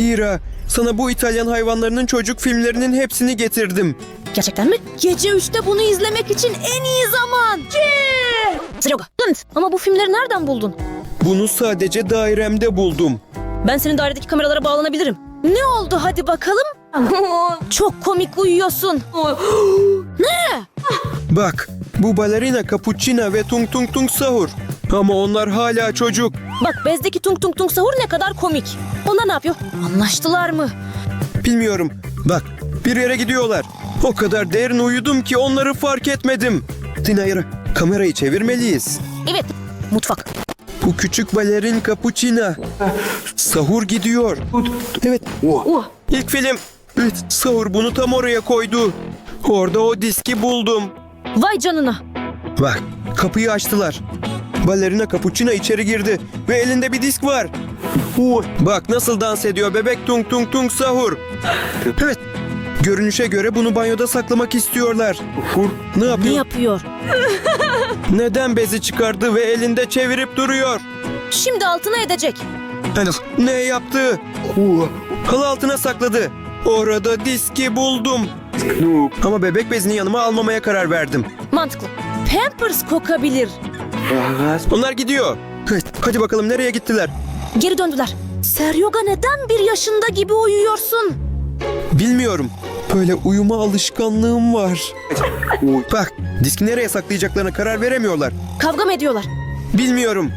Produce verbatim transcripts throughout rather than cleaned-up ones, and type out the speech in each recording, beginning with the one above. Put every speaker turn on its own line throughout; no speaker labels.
Hira, sana bu İtalyan hayvanlarının çocuk filmlerinin hepsini getirdim.
Gerçekten mi? Gece üçte bunu izlemek için en iyi zaman. Seryoga. Ama bu filmleri nereden buldun?
Bunu sadece dairemde buldum.
Ben senin dairedeki kameralara bağlanabilirim. Ne oldu hadi bakalım? Çok komik uyuyorsun. Ne?
Bak, bu balerina Cappuccina ve Tung Tung Tung Sahur. Ama onlar hala çocuk.
Bak bezdeki tung tung tung sahur ne kadar komik. Onlar ne yapıyor? Anlaştılar mı?
Bilmiyorum. Bak, bir yere gidiyorlar. O kadar derin uyudum ki onları fark etmedim. Dinayra, kamerayı çevirmeliyiz.
Evet. Mutfak.
Bu küçük balerin Cappuccina. Sahur gidiyor. Evet.
Oh.
İlk film. Evet, Sahur bunu tam oraya koydu. Orada o diski buldum.
Vay canına.
Bak, kapıyı açtılar. Balerina Cappuccina içeri girdi ve elinde bir disk var. Bak nasıl dans ediyor bebek Tung Tung Tung Sahur. Evet, görünüşe göre bunu banyoda saklamak istiyorlar. Ne
Ne
yapıyor?
yapıyor?
Neden bezi çıkardı ve elinde çevirip duruyor?
Şimdi altına edecek.
Ne yaptı? Halı altına sakladı. Orada diski buldum. Ama bebek bezini yanıma almamaya karar verdim.
Mantıklı. Pampers kokabilir.
Onlar gidiyor. Evet, hadi bakalım nereye gittiler?
Geri döndüler. Seryoga neden bir yaşında gibi uyuyorsun?
Bilmiyorum. Böyle uyuma alışkanlığım var. Bak, diski nereye saklayacaklarına karar veremiyorlar.
Kavga mı ediyorlar?
Bilmiyorum.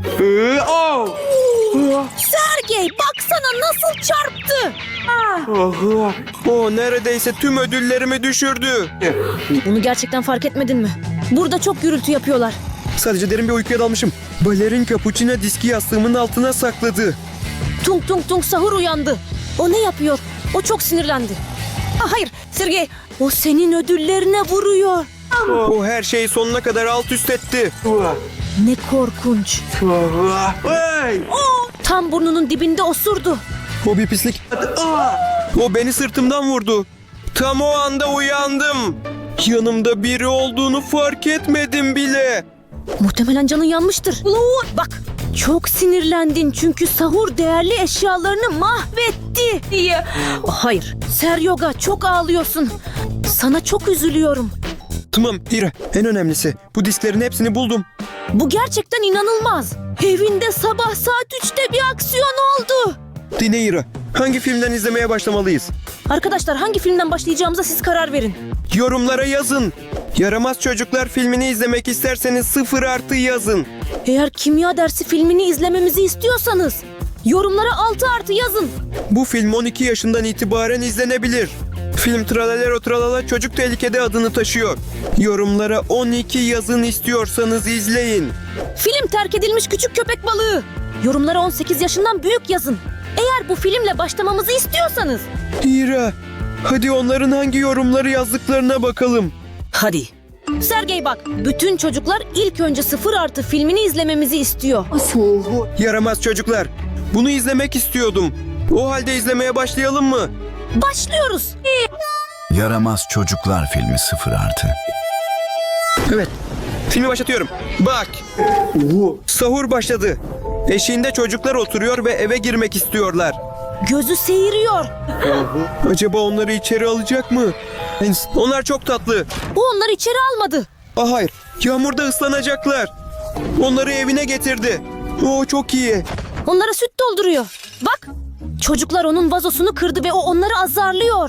Sergey baksana nasıl çarptı.
O neredeyse tüm ödüllerimi düşürdü.
Bunu gerçekten fark etmedin mi? Burada çok gürültü yapıyorlar.
Sadece derin bir uykuya dalmışım. Balerin Cappuccina diski yastığımın altına sakladı.
Tung tung tung sahur uyandı. O ne yapıyor? O çok sinirlendi. Ah, hayır Sergey. O senin ödüllerine vuruyor.
O her şeyi sonuna kadar alt üst etti.
Ne korkunç. Tam burnunun dibinde osurdu.
O bir pislik. O beni sırtımdan vurdu. Tam o anda uyandım. Yanımda biri olduğunu fark etmedim bile.
Muhtemelen canın yanmıştır. Bak çok sinirlendin çünkü sahur değerli eşyalarını mahvetti. Hayır Seryoga çok ağlıyorsun. Sana çok üzülüyorum.
Tamam Hira, en önemlisi bu disklerin hepsini buldum.
Bu gerçekten inanılmaz. Evinde sabah saat üçte bir aksiyon oldu.
Dinle Hira, hangi filmden izlemeye başlamalıyız?
Arkadaşlar hangi filmden başlayacağımıza siz karar verin.
Yorumlara yazın. Yaramaz Çocuklar filmini izlemek isterseniz sıfır artı yazın.
Eğer kimya dersi filmini izlememizi istiyorsanız yorumlara altı artı yazın.
Bu film on iki yaşından itibaren izlenebilir. Film Tralalero Tralala Çocuk Tehlikede adını taşıyor. Yorumlara on iki yazın istiyorsanız izleyin.
Film Terk Edilmiş Küçük Köpek Balığı. Yorumlara on sekiz yaşından büyük yazın. Eğer bu filmle başlamamızı istiyorsanız.
Hira, hadi onların hangi yorumları yazdıklarına bakalım.
Hadi. Sergey bak, bütün çocuklar ilk önce sıfır artı filmini izlememizi istiyor.
Yaramaz Çocuklar, bunu izlemek istiyordum. O halde izlemeye başlayalım mı?
Başlıyoruz.
Yaramaz Çocuklar filmi sıfır artı.
Evet, filmi başlatıyorum. Bak, sahur başladı. Eşiğinde çocuklar oturuyor ve eve girmek istiyorlar.
Gözü seyiriyor.
Acaba onları içeri alacak mı? Onlar çok tatlı.
O onları içeri almadı.
Ah hayır, yağmurda ıslanacaklar. Onları evine getirdi. Oo çok iyi.
Onlara süt dolduruyor. Bak, çocuklar onun vazosunu kırdı ve o onları azarlıyor.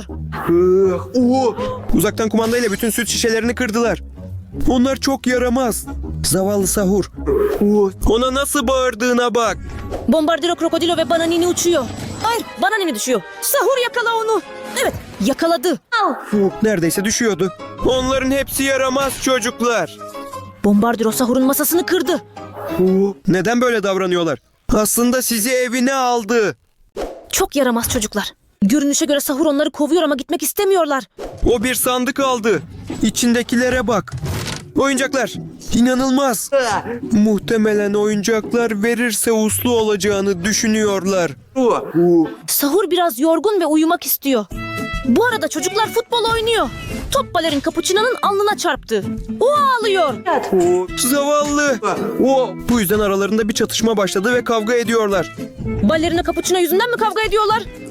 Uzaktan kumandayla bütün süt şişelerini kırdılar. Onlar çok yaramaz. Zavallı Sahur. Ona nasıl bağırdığına bak.
Bombardiro, Krokodilo ve Bananini uçuyor. Hayır, Bananini düşüyor. Sahur yakala onu. Evet, yakaladı.
Neredeyse düşüyordu. Onların hepsi yaramaz çocuklar.
Bombardiro Sahur'un masasını kırdı.
Neden böyle davranıyorlar? Aslında sizi evine aldı.
Çok yaramaz çocuklar. Görünüşe göre Sahur onları kovuyor ama gitmek istemiyorlar.
O bir sandık aldı. İçindekilere bak. Oyuncaklar. İnanılmaz. Muhtemelen oyuncaklar verirse uslu olacağını düşünüyorlar.
Sahur biraz yorgun ve uyumak istiyor. Bu arada çocuklar futbol oynuyor. Top balerin Cappuccino'nun alnına çarptı. O ağlıyor.
Zavallı. Bu yüzden aralarında bir çatışma başladı ve kavga ediyorlar.
Balerina Cappuccino yüzünden mi kavga ediyorlar?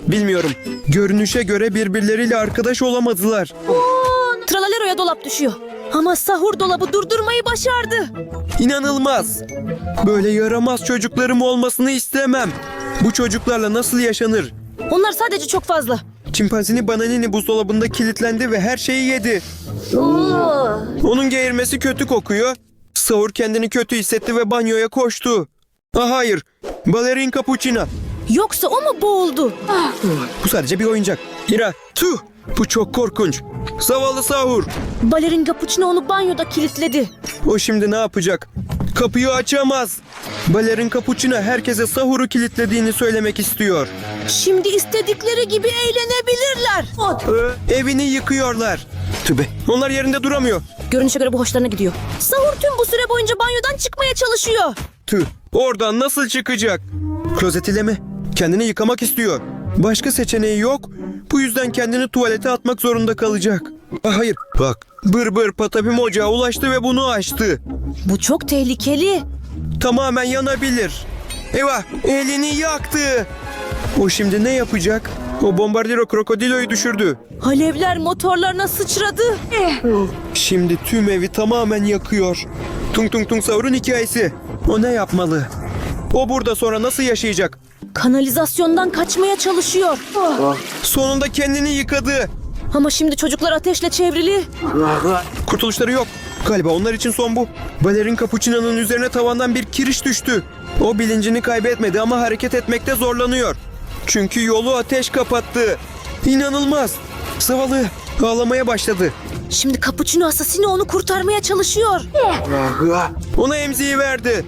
Bilmiyorum. Görünüşe göre birbirleriyle arkadaş olamadılar.
Tralalero'ya dolap düşüyor. Ama sahur dolabı durdurmayı başardı.
İnanılmaz. Böyle yaramaz çocuklarım olmasını istemem. Bu çocuklarla nasıl yaşanır?
Onlar sadece çok fazla.
Çimpanzini Bananini buzdolabında kilitlendi ve her şeyi yedi. Onun geğirmesi kötü kokuyor. Sahur kendini kötü hissetti ve banyoya koştu. Ah hayır. Balerin Capuchina.
Yoksa o mu boğuldu?
Bu sadece bir oyuncak. Hira. Tüh. Bu çok korkunç. Zavallı Sahur.
Balerin Capuchino onu banyoda kilitledi.
O şimdi ne yapacak? Kapıyı açamaz. Balerin Capuchina herkese Sahur'u kilitlediğini söylemek istiyor.
Şimdi istedikleri gibi eğlenebilirler.
Evini yıkıyorlar. Tübe. Onlar yerinde duramıyor.
Görünüşe göre bu hoşlarına gidiyor. Sahur tüm bu süre boyunca banyodan çıkmaya çalışıyor.
Tüh. Oradan nasıl çıkacak? Klozet ile mi? Kendini yıkamak istiyor. Başka seçeneği yok. Bu yüzden kendini tuvalete atmak zorunda kalacak. Ah, hayır. Bak. Bır bır patapim ocağa ulaştı ve bunu açtı.
Bu çok tehlikeli.
Tamamen yanabilir. Eyvah. Elini yaktı. O şimdi ne yapacak? O bombardiro krokodiloyu düşürdü.
Alevler motorlarına sıçradı.
Şimdi tüm evi tamamen yakıyor. Tung Tung Tung Sahur'un hikayesi. O ne yapmalı? O burada sonra nasıl yaşayacak?
Kanalizasyondan kaçmaya çalışıyor.
Sonunda kendini yıkadı.
Ama şimdi çocuklar ateşle çevrili.
Kurtuluşları yok. Galiba onlar için son bu. Balerin Capuchino'nun üzerine tavandan bir kiriş düştü. O bilincini kaybetmedi ama hareket etmekte zorlanıyor. Çünkü yolu ateş kapattı. İnanılmaz. Zavallı ağlamaya başladı.
Şimdi Capuchino asasini onu kurtarmaya çalışıyor.
Ona emziği verdi.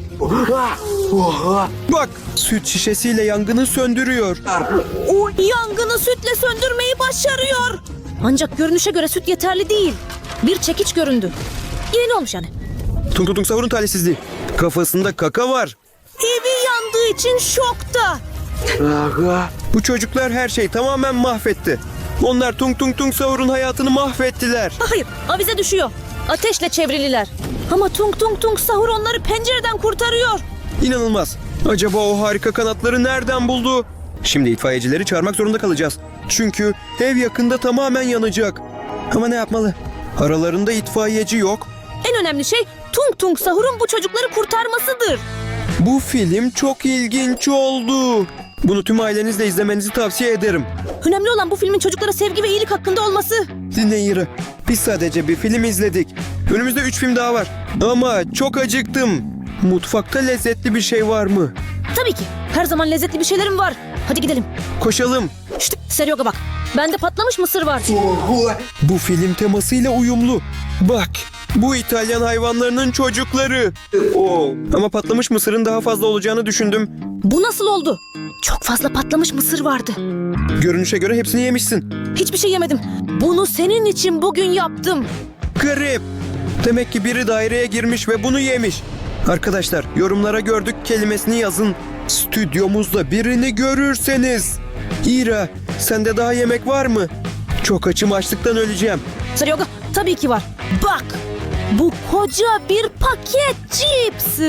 Bak, süt şişesiyle yangını söndürüyor.
O yangını sütle söndürmeyi başarıyor. Ancak görünüşe göre süt yeterli değil. Bir çekiç göründü. Yeni olmuş yani.
Tung Tung Tung Sahur'un talihsizliği. Kafasında kaka var.
Evi yandığı için şokta.
Bu çocuklar her şeyi tamamen mahvetti. Onlar Tung Tung Tung Sahur'un hayatını mahvettiler.
Hayır, avize düşüyor. Ateşle çevrililer. Ama Tung Tung Tung Sahur onları pencereden kurtarıyor.
İnanılmaz. Acaba o harika kanatları nereden buldu? Şimdi itfaiyecileri çağırmak zorunda kalacağız. Çünkü ev yakında tamamen yanacak. Ama ne yapmalı? Aralarında itfaiyeci yok.
En önemli şey Tung Tung Sahur'un bu çocukları kurtarmasıdır.
Bu film çok ilginç oldu. Bunu tüm ailenizle izlemenizi tavsiye ederim.
Önemli olan bu filmin çocuklara sevgi ve iyilik hakkında olması.
Dinle Yira. Biz sadece bir film izledik. Önümüzde üç film daha var. Ama çok acıktım. Mutfakta lezzetli bir şey var mı?
Tabii ki. Her zaman lezzetli bir şeylerim var. Hadi gidelim.
Koşalım.
Şşt, Seryoga bak. Bende patlamış mısır var.
Bu film temasıyla uyumlu. Bak, bu İtalyan hayvanlarının çocukları. Ama patlamış mısırın daha fazla olacağını düşündüm.
Bu nasıl oldu? Çok fazla patlamış mısır vardı.
Görünüşe göre hepsini yemişsin.
Hiçbir şey yemedim. Bunu senin için bugün yaptım.
Garip. Demek ki biri daireye girmiş ve bunu yemiş. Arkadaşlar, yorumlara gördük kelimesini yazın. Stüdyomuzda birini görürseniz. İra, sende daha yemek var mı? Çok açım, açlıktan öleceğim.
Seryoga, tabii ki var. Bak. Bu koca bir paket cips.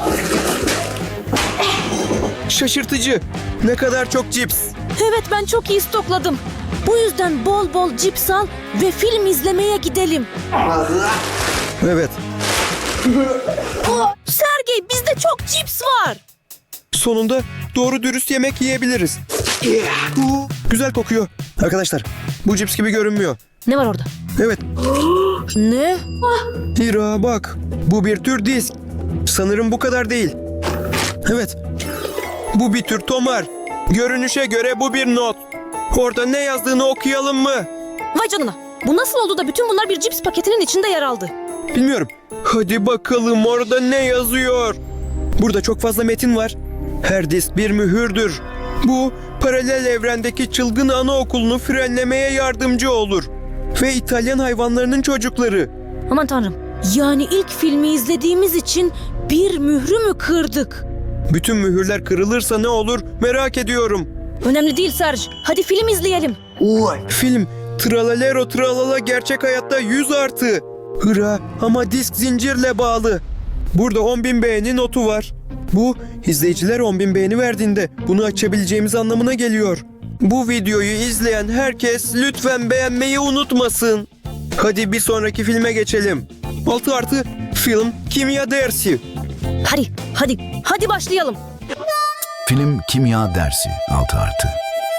Şaşırtıcı. Ne kadar çok cips.
Evet, ben çok iyi stokladım. Bu yüzden bol bol cips al ve film izlemeye gidelim.
Evet.
Oh, Sergey, bizde çok cips var.
Sonunda doğru dürüst yemek yiyebiliriz. Güzel kokuyor. Arkadaşlar, bu cips gibi görünmüyor.
Ne var orada?
Evet.
Ne?
Hira bak. Bu bir tür disk. Sanırım bu kadar değil. Evet. Bu bir tür tomar. Görünüşe göre bu bir not. Orada ne yazdığını okuyalım mı?
Vay canına. Bu nasıl oldu da bütün bunlar bir cips paketinin içinde yer aldı?
Bilmiyorum. Hadi bakalım orada ne yazıyor? Burada çok fazla metin var. Her disk bir mühürdür. Bu paralel evrendeki çılgın anaokulunu frenlemeye yardımcı olur. Ve İtalyan hayvanlarının çocukları.
Aman tanrım. Yani ilk filmi izlediğimiz için bir mührü mü kırdık?
Bütün mühürler kırılırsa ne olur merak ediyorum.
Önemli değil Serge. Hadi film izleyelim.
Film Tralalero Tralala gerçek hayatta yüz artı. Hıra ama disk zincirle bağlı. Burada on bin beğeni notu var. Bu izleyiciler on bin beğeni verdiğinde bunu açabileceğimiz anlamına geliyor. Bu videoyu izleyen herkes lütfen beğenmeyi unutmasın. Hadi bir sonraki filme geçelim. altı artı film kimya dersi.
Hadi, hadi, hadi başlayalım.
Film kimya dersi altı artı.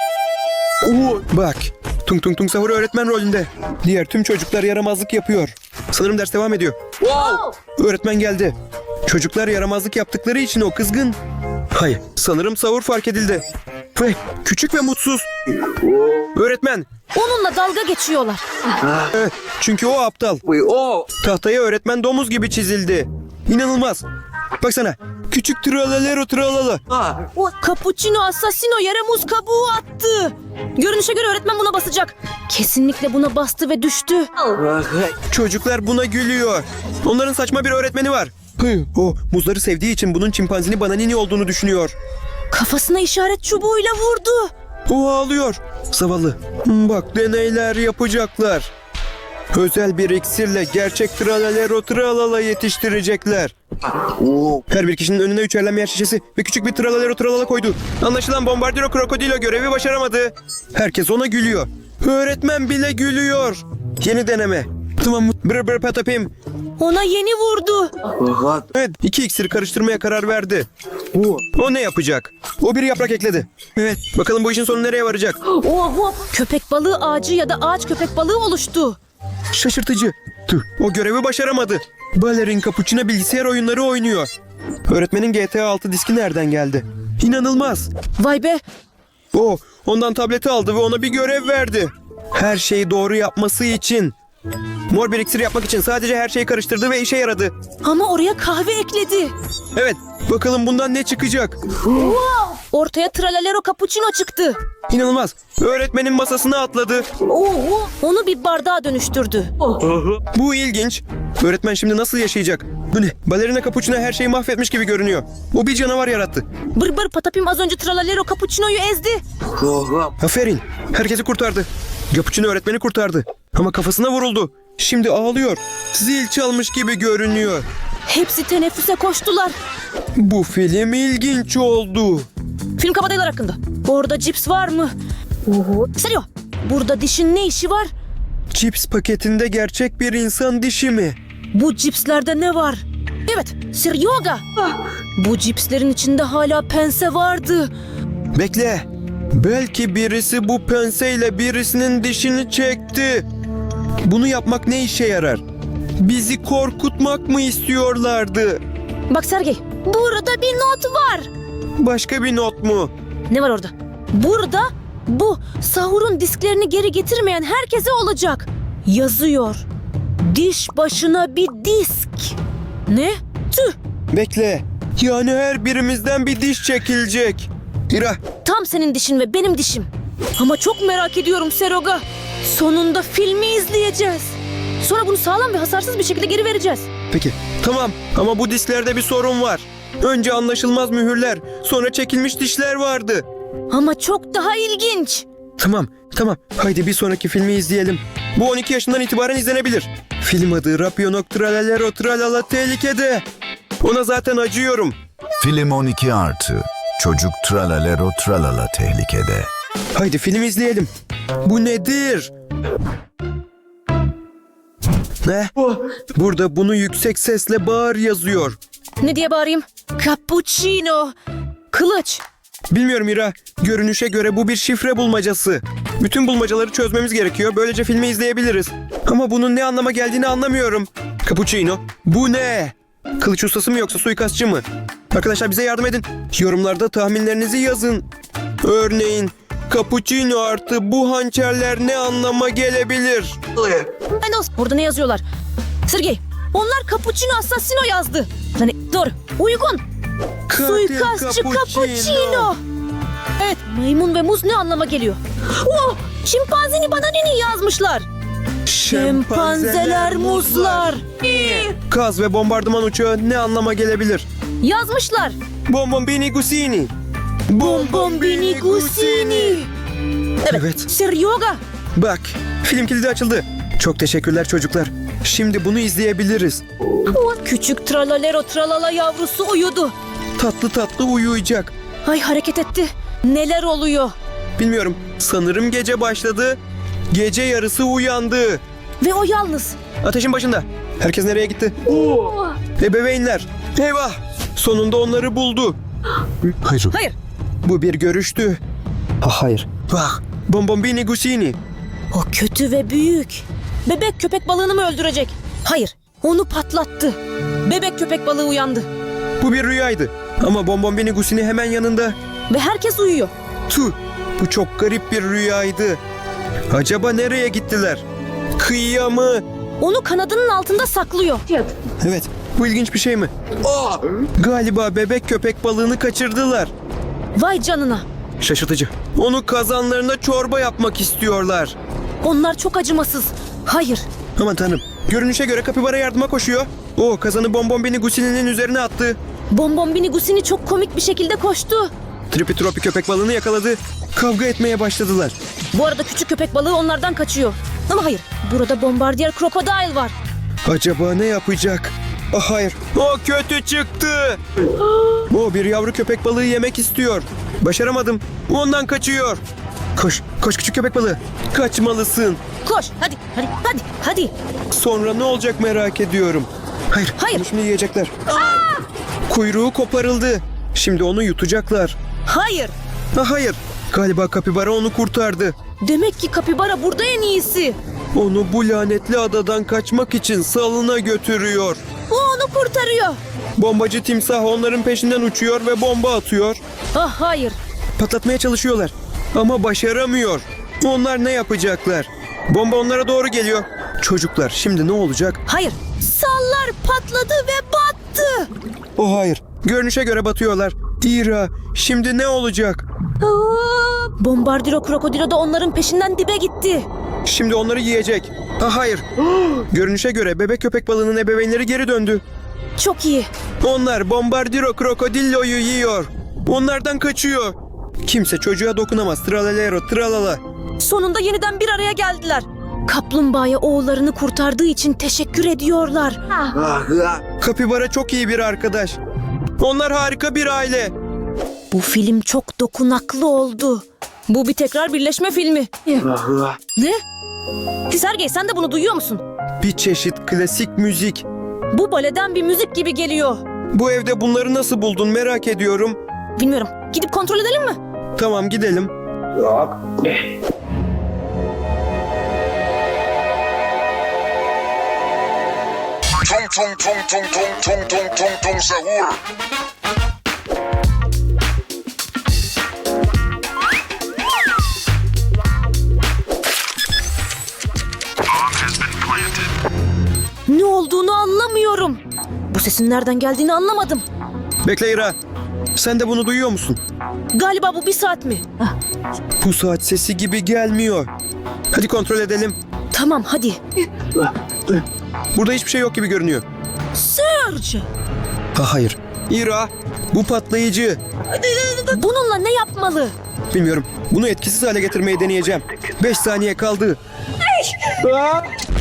Oo, bak, Tung Tung Tung Sahur öğretmen rolünde. Diğer tüm çocuklar yaramazlık yapıyor. Sanırım ders devam ediyor. Öğretmen geldi. Çocuklar yaramazlık yaptıkları için o kızgın. Hayır, sanırım Sahur fark edildi. Ve küçük ve mutsuz. Öğretmen,
Onunla dalga geçiyorlar.
evet, çünkü o aptal. Tahtaya öğretmen domuz gibi çizildi. İnanılmaz. Baksana, küçük tralalero tralala.
O Cappuccino Assassino yere muz kabuğu attı. Görünüşe göre öğretmen buna basacak. Kesinlikle buna bastı ve düştü.
Çocuklar buna gülüyor. Onların saçma bir öğretmeni var. Hı, o muzları sevdiği için bunun çimpanzini bananini olduğunu düşünüyor.
Kafasına işaret çubuğuyla vurdu.
O ağlıyor. Zavallı. Bak, deneyler yapacaklar. Özel bir iksirle gerçek tralalero tralala yetiştirecekler. Her bir kişinin önüne üçerlen yer şişesi ve küçük bir tralalero tralala koydu. Anlaşılan Bombardiro Krokodilo görevi başaramadı. Herkes ona gülüyor. Öğretmen bile gülüyor. Yeni deneme. Tamam. Brr brr patapim.
Ona yeni vurdu.
Evet, iki iksiri karıştırmaya karar verdi. O ne yapacak? O bir yaprak ekledi. Evet, bakalım bu işin sonu nereye varacak?
Oho, köpek balığı ağacı ya da ağaç köpek balığı oluştu.
Şaşırtıcı. Tüh, o görevi başaramadı. Balerin Cappuccino bilgisayar oyunları oynuyor. Öğretmenin G T A altı diski nereden geldi? İnanılmaz.
Vay be,
O, ondan tableti aldı ve ona bir görev verdi. Her şeyi doğru yapması için. Mor bir iksir yapmak için sadece her şeyi karıştırdı ve işe yaradı.
ama oraya kahve ekledi.
Evet, bakalım bundan ne çıkacak?
Ortaya Tralalero Cappuccino çıktı.
İnanılmaz. Öğretmenin masasına atladı.
Oho, onu bir bardağa dönüştürdü.
Bu ilginç. Öğretmen şimdi nasıl yaşayacak? Bu ne? Balerina Cappuccino her şeyi mahvetmiş gibi görünüyor. O bir canavar yarattı.
Bır bır patapim az önce Tralalero Cappuccino'yu ezdi.
Aferin. Herkesi kurtardı. Cappuccino öğretmeni kurtardı. Ama kafasına vuruldu. Şimdi ağlıyor. Zil çalmış gibi görünüyor.
Hepsi teneffüse koştular.
Bu film ilginç oldu.
Film kabadayılar hakkında. Orada cips var mı? Oho. Serio, burada dişin ne işi var?
Cips paketinde gerçek bir insan dişi mi?
Bu cipslerde ne var? Evet, Seryoga. Bu cipslerin içinde hala pense vardı.
Bekle. Belki birisi bu penseyle birisinin dişini çekti. Bunu yapmak ne işe yarar? Bizi korkutmak mı istiyorlardı?
Bak Sergey, burada bir not var.
Başka bir not mu?
Ne var orada? Burada bu sahurun disklerini geri getirmeyen herkese olacak. Yazıyor. Diş başına bir disk. Ne? Tüh.
Bekle. Yani her birimizden bir diş çekilecek. İra,
Tam senin dişin ve benim dişim. Ama çok merak ediyorum Seroga. Sonunda filmi izleyeceğiz. Sonra bunu sağlam ve hasarsız bir şekilde geri vereceğiz.
peki. Tamam ama bu disklerde bir sorun var. Önce anlaşılmaz mühürler, sonra çekilmiş dişler vardı.
Ama çok daha ilginç.
Tamam, tamam. Haydi bir sonraki filmi izleyelim. Bu on iki yaşından itibaren izlenebilir. Film adı Rapionok Tralalero Tralala Tehlikede. Ona zaten acıyorum.
Film on iki artı. Çocuk tralalero tralala tehlikede.
Haydi film izleyelim. Bu nedir? Ne? Burada bunu yüksek sesle bağır yazıyor.
Ne diye bağırayım? Cappuccino. Kılıç.
Bilmiyorum İra. Görünüşe göre bu bir şifre bulmacası. Bütün bulmacaları çözmemiz gerekiyor. Böylece filmi izleyebiliriz. Ama bunun ne anlama geldiğini anlamıyorum. Cappuccino. Bu ne? Kılıç ustası mı yoksa suikastçı mı? Arkadaşlar bize yardım edin. Yorumlarda tahminlerinizi yazın. Örneğin Cappuccino artı bu hançerler ne anlama gelebilir?
Ben de olsun. Burada ne yazıyorlar? Sergey, onlar Cappuccino Assassino yazdı. Yani doğru. Uygun.
Katil
Suikastçı Cappuccino. Evet, maymun ve muz ne anlama geliyor? Oh, şimpanzini bananini yazmışlar. Şempanzeler muzlar.
Kaz ve bombardıman uçağı ne anlama gelebilir?
Yazmışlar.
Bombombini Gusini.
Bombombini Gusini. Evet.
Evet.
Seryoga.
Bak, film kilidi açıldı. Çok teşekkürler çocuklar. Şimdi bunu izleyebiliriz.
Küçük tralalero tralala yavrusu uyudu.
Tatlı tatlı uyuyacak.
Ay hareket etti. Neler oluyor?
Bilmiyorum. Sanırım gece başladı. Gece yarısı uyandı.
Ve o yalnız.
Ateşin başında. Herkes nereye gitti? Ebeveynler. Eyvah. Sonunda onları buldu.
Hayır.
Hayır.
Bu bir görüştü. Ah hayır. Bak. Bombombini Gusini.
O kötü ve büyük. Bebek köpek balığını mı öldürecek? Hayır. Onu patlattı. Bebek köpek balığı uyandı.
Bu bir rüyaydı. Ama Bombombini Gusini hemen yanında.
Ve herkes uyuyor.
Tüh. Bu çok garip bir rüyaydı. Acaba nereye gittiler? Kıyıya mı?
Onu kanadının altında saklıyor.
Evet. Bu ilginç bir şey mi? Aa! Galiba bebek köpek balığını kaçırdılar.
Vay canına.
Şaşırtıcı. Onu kazanlarına çorba yapmak istiyorlar.
Onlar çok acımasız. Hayır.
Aman tanrım. Görünüşe göre kapibara yardıma koşuyor. O kazanı Bombombini Gusini'nin üzerine attı.
Bonbonbini Gusini çok komik bir şekilde koştu.
Tripi Tropi köpek balığını yakaladı. Kavga etmeye başladılar.
Bu arada küçük köpek balığı onlardan kaçıyor. Ama hayır. Burada bombardiyer krokodil var.
Acaba ne yapacak? Ah hayır. O kötü çıktı. O bir yavru köpek balığı yemek istiyor. Başaramadım. Ondan kaçıyor. Koş. Koş küçük köpek balığı. Kaçmalısın.
Koş. Hadi. Hadi. Hadi. Hadi.
Sonra ne olacak merak ediyorum. Hayır.
Hayır.
Onu şimdi yiyecekler. Kuyruğu koparıldı. Şimdi onu yutacaklar.
Hayır.
Ah hayır. Galiba kapibara onu kurtardı.
Demek ki kapibara burada en iyisi.
Onu bu lanetli adadan kaçmak için salına götürüyor.
O onu kurtarıyor.
Bombacı timsah onların peşinden uçuyor ve bomba atıyor.
Ah hayır.
Patlatmaya çalışıyorlar. Ama başaramıyor. Onlar ne yapacaklar? Bomba onlara doğru geliyor. Çocuklar şimdi ne olacak?
Hayır. Sallar patladı ve battı.
Oh hayır. Görünüşe göre batıyorlar. Ira şimdi ne olacak?
Bombardiro krokodilo da onların peşinden dibe gitti.
Şimdi onları yiyecek. Ah hayır. Görünüşe göre bebek köpek balığının ebeveynleri geri döndü.
Çok iyi.
Onlar Bombardiro Krokodillo'yu yiyor. Onlardan kaçıyor. Kimse çocuğa dokunamaz. Tralalero tralala.
Sonunda yeniden bir araya geldiler. Kaplumbağaya oğullarını kurtardığı için teşekkür ediyorlar.
Kapibara çok iyi bir arkadaş. Onlar harika bir aile.
Bu film çok dokunaklı oldu. Bu bir tekrar birleşme filmi. Ne? Sergey sen de bunu duyuyor musun?
Bir çeşit klasik müzik.
Bu baleden bir müzik gibi geliyor.
Bu evde bunları nasıl buldun merak ediyorum.
Bilmiyorum. Gidip kontrol edelim mi?
Tamam gidelim.
Tung tung tung tung tung tung tung tung tung sahur.
Ne olduğunu anlamıyorum. Bu sesin nereden geldiğini anlamadım.
Bekle Ira. Sen de bunu duyuyor musun?
Galiba bu bir saat mi?
Bu saat sesi gibi gelmiyor. Hadi kontrol edelim.
Tamam hadi.
Burada hiçbir şey yok gibi görünüyor.
Serge!
Ha hayır. Ira, bu patlayıcı.
Bununla ne yapmalı?
Bilmiyorum. Bunu etkisiz hale getirmeyi deneyeceğim. Beş saniye kaldı. Aa!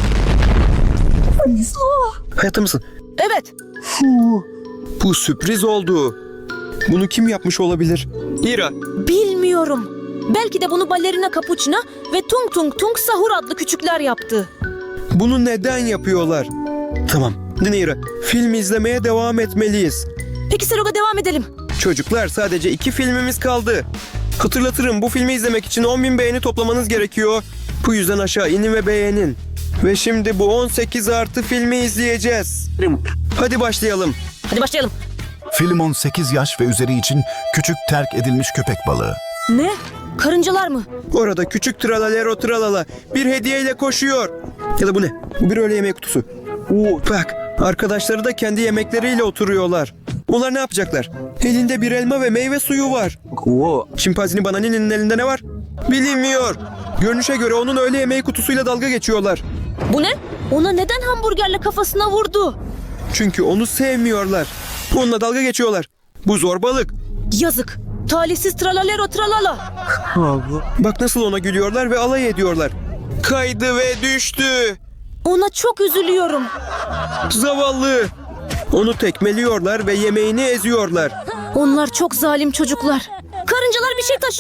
Hayatta mısın?
Evet.
Bu sürpriz oldu. Bunu kim yapmış olabilir? Ira.
Bilmiyorum. Belki de bunu Ballerina Capuchina ve Tung Tung Tung Sahur adlı küçükler yaptı.
Bunu neden yapıyorlar? Tamam. Dinle Ira. Film izlemeye devam etmeliyiz.
Peki Seroga devam edelim.
Çocuklar sadece iki filmimiz kaldı. Hatırlatırım bu filmi izlemek için on bin beğeni toplamanız gerekiyor. Bu yüzden aşağı inin ve beğenin. Ve şimdi bu on sekiz artı filmi izleyeceğiz. Hadi başlayalım.
Hadi başlayalım.
Film on sekiz yaş ve üzeri için küçük terk edilmiş köpek balığı.
Ne? Karıncalar mı?
Orada küçük tralalero tralala bir hediyeyle koşuyor. Ya da bu ne? Bu bir öğle yemeği kutusu. Oo, bak arkadaşları da kendi yemekleriyle oturuyorlar. Onlar ne yapacaklar? Elinde bir elma ve meyve suyu var. Çimpanzini Banani'nin elinde ne var? Bilinmiyor. Görünüşe göre onun öğle yemeği kutusuyla dalga geçiyorlar.
Bu ne? Ona neden hamburgerle kafasına vurdu?
Çünkü onu sevmiyorlar. Onunla dalga geçiyorlar. Bu zorbalık.
Yazık. Talihsiz tralalero tralala.
Bak nasıl ona gülüyorlar ve alay ediyorlar. Kaydı ve düştü.
Ona çok üzülüyorum.
Zavallı. Onu tekmeliyorlar ve yemeğini eziyorlar.
Onlar çok zalim çocuklar. Karıncalar bir şey taşıyor.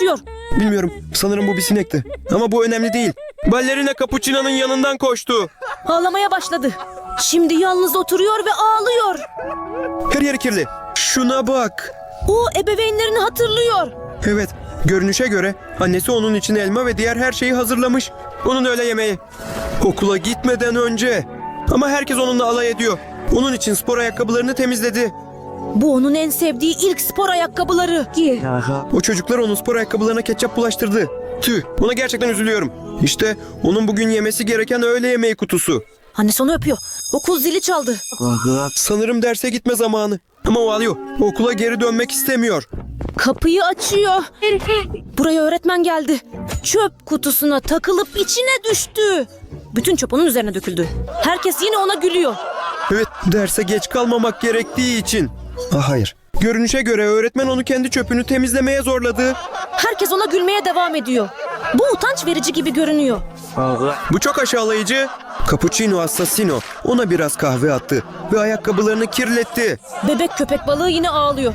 Bilmiyorum. Sanırım bu bir sinekti. Ama bu önemli değil. Ballerina Capuchino'nun yanından koştu.
Ağlamaya başladı. Şimdi yalnız oturuyor ve ağlıyor.
Her yeri kirli. Şuna bak.
O ebeveynlerini hatırlıyor.
Evet. Görünüşe göre annesi onun için elma ve diğer her şeyi hazırlamış. Onun öğle yemeği. Okula gitmeden önce. Ama herkes onunla alay ediyor. Onun için spor ayakkabılarını temizledi.
Bu onun en sevdiği ilk spor ayakkabıları.
O çocuklar onun spor ayakkabılarına ketçap bulaştırdı. Tüh, ona gerçekten üzülüyorum. İşte onun bugün yemesi gereken öğle yemeği kutusu.
Annesi onu öpüyor. Okul zili çaldı.
Sanırım derse gitme zamanı. Ama o ağlıyor. Okula geri dönmek istemiyor.
Kapıyı açıyor. Buraya öğretmen geldi. Çöp kutusuna takılıp içine düştü. Bütün çöp onun üzerine döküldü. Herkes yine ona gülüyor.
Evet, derse geç kalmamak gerektiği için. Ah hayır. Görünüşe göre öğretmen onu kendi çöpünü temizlemeye zorladı.
Herkes ona gülmeye devam ediyor. Bu utanç verici gibi görünüyor.
Bu çok aşağılayıcı. Cappuccino Assassino ona biraz kahve attı ve ayakkabılarını kirletti.
Bebek köpek balığı yine ağlıyor.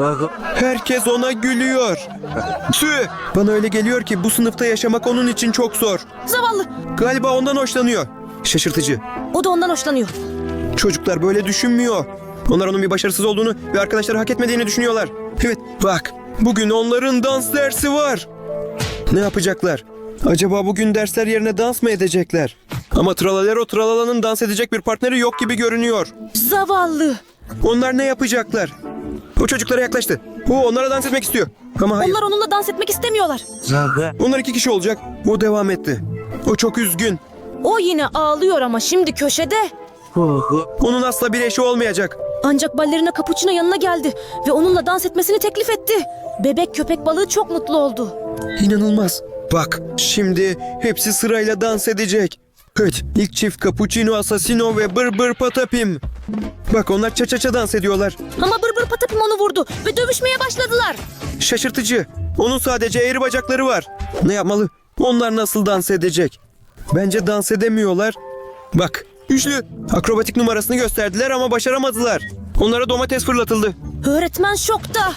Herkes ona gülüyor. Tüh! Bana öyle geliyor ki bu sınıfta yaşamak onun için çok zor.
Zavallı.
Galiba ondan hoşlanıyor. Şaşırtıcı.
O da ondan hoşlanıyor.
Çocuklar böyle düşünmüyor. Onlar onun bir başarısız olduğunu ve arkadaşları hak etmediğini düşünüyorlar. Evet, bak. Bugün onların dans dersi var. Ne yapacaklar? Acaba bugün dersler yerine dans mı edecekler? Ama Tralalero Tralala'nın dans edecek bir partneri yok gibi görünüyor.
Zavallı.
Onlar ne yapacaklar? O çocuklara yaklaştı. O onlara dans etmek istiyor. Ama hayır.
Onlar onunla dans etmek istemiyorlar.
Onlar iki kişi olacak. O devam etti. O çok üzgün.
O yine ağlıyor ama şimdi köşede.
Onun asla bir eşi olmayacak.
Ancak ballerina Capuchino yanına geldi ve onunla dans etmesini teklif etti. Bebek köpek balığı çok mutlu oldu.
İnanılmaz. Bak, şimdi hepsi sırayla dans edecek. Evet, ilk çift Cappuccino Assassino ve Bır Bır Patapim. Bak, onlar ça ça ça dans ediyorlar.
Ama Bır Bır Patapim onu vurdu ve dövüşmeye başladılar.
Şaşırtıcı. Onun sadece eğri bacakları var. Ne yapmalı? Onlar nasıl dans edecek? Bence dans edemiyorlar. Bak, üçlü akrobatik numarasını gösterdiler ama başaramadılar. Onlara domates fırlatıldı.
Öğretmen şokta.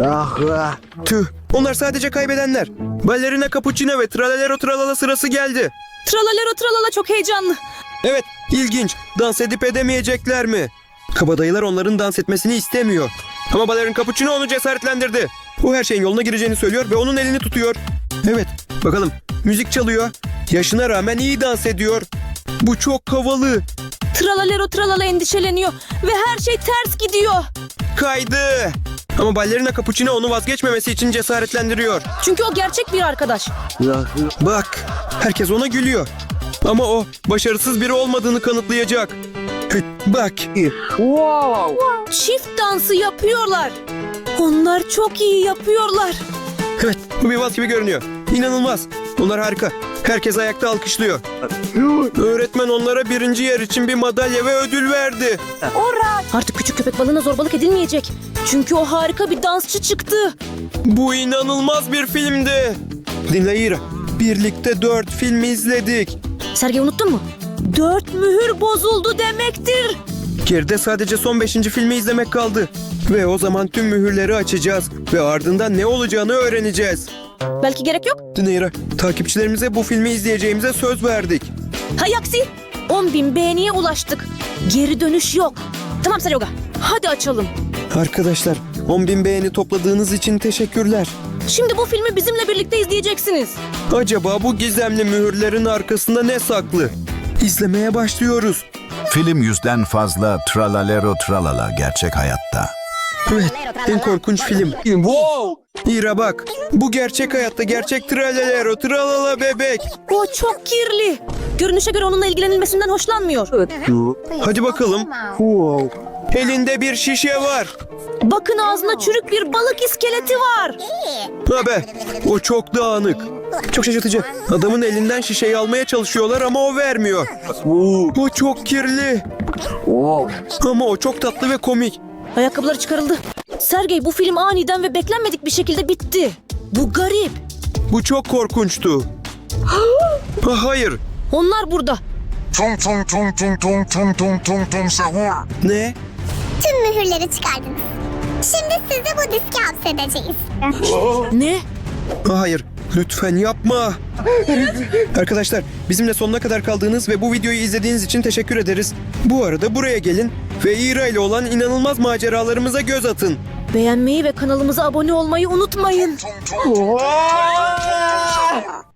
Tüh, onlar sadece kaybedenler. Ballerina Capuchino ve Tralalero Tralala sırası geldi.
Tralalero tralala çok heyecanlı.
Evet, ilginç. Dans edip edemeyecekler mi? Kabadayılar onların dans etmesini istemiyor. Ama Balerin Capuchino onu cesaretlendirdi. O her şeyin yoluna gireceğini söylüyor ve onun elini tutuyor. Evet, bakalım. Müzik çalıyor. Yaşına rağmen iyi dans ediyor. Bu çok havalı.
Tralalero tralala endişeleniyor ve her şey ters gidiyor.
Kaydı. Ama Ballerina Capuchino onu vazgeçmemesi için cesaretlendiriyor.
Çünkü o gerçek bir arkadaş.
Bak, herkes ona gülüyor. Ama o başarısız biri olmadığını kanıtlayacak. Bak.
Çift dansı yapıyorlar. Onlar çok iyi yapıyorlar.
Evet, bu bir vals gibi görünüyor. İnanılmaz. Onlar harika. Herkes ayakta alkışlıyor. Öğretmen onlara birinci yer için bir madalya ve ödül verdi.
Artık küçük köpek balığına zorbalık edilmeyecek. Çünkü o harika bir dansçı çıktı.
Bu inanılmaz bir filmdi. Dinle İra. Birlikte dört film izledik.
Sergey unuttun mu? Dört mühür bozuldu demektir.
Geride sadece son beşinci filmi izlemek kaldı. Ve o zaman tüm mühürleri açacağız. Ve ardından ne olacağını öğreneceğiz.
Belki gerek yok.
Dinle takipçilerimize bu filmi izleyeceğimize söz verdik.
Hay aksi. on bin beğeniye ulaştık. Geri dönüş yok. Tamam Seryoga. Hadi açalım.
Arkadaşlar, on bin beğeni topladığınız için teşekkürler.
Şimdi bu filmi bizimle birlikte izleyeceksiniz.
Acaba bu gizemli mühürlerin arkasında ne saklı? İzlemeye başlıyoruz.
Film yüzden fazla Tralalero Tralala gerçek hayatta.
Evet, en korkunç film. İra bak, bu gerçek hayatta gerçek Tralalero Tralala bebek.
O çok kirli. Görünüşe göre onunla ilgilenilmesinden hoşlanmıyor.
Hadi bakalım. Elinde bir şişe var.
Bakın ağzına çürük bir balık iskeleti var.
Ha be, o çok dağınık. Çok şaşırtıcı. Adamın elinden şişeyi almaya çalışıyorlar ama o vermiyor. O çok kirli. Ama o çok tatlı ve komik.
Ayakkabıları çıkarıldı. Sergey, bu film aniden ve beklenmedik bir şekilde bitti. Bu garip.
Bu çok korkunçtu. Ha, hayır.
Onlar burada.
Tung tung tung tung tung tung tung tung tung sahur.
Ne?
Tüm mühürleri çıkardınız. Şimdi sizi bu diske hapsedeceğiz.
Ne?
Ha, hayır. Lütfen yapma. Arkadaşlar bizimle sonuna kadar kaldığınız ve bu videoyu izlediğiniz için teşekkür ederiz. Bu arada buraya gelin ve İra ile olan inanılmaz maceralarımıza göz atın.
Beğenmeyi ve kanalımıza abone olmayı unutmayın.
Tung tung tung tung tung tung tung Sahur.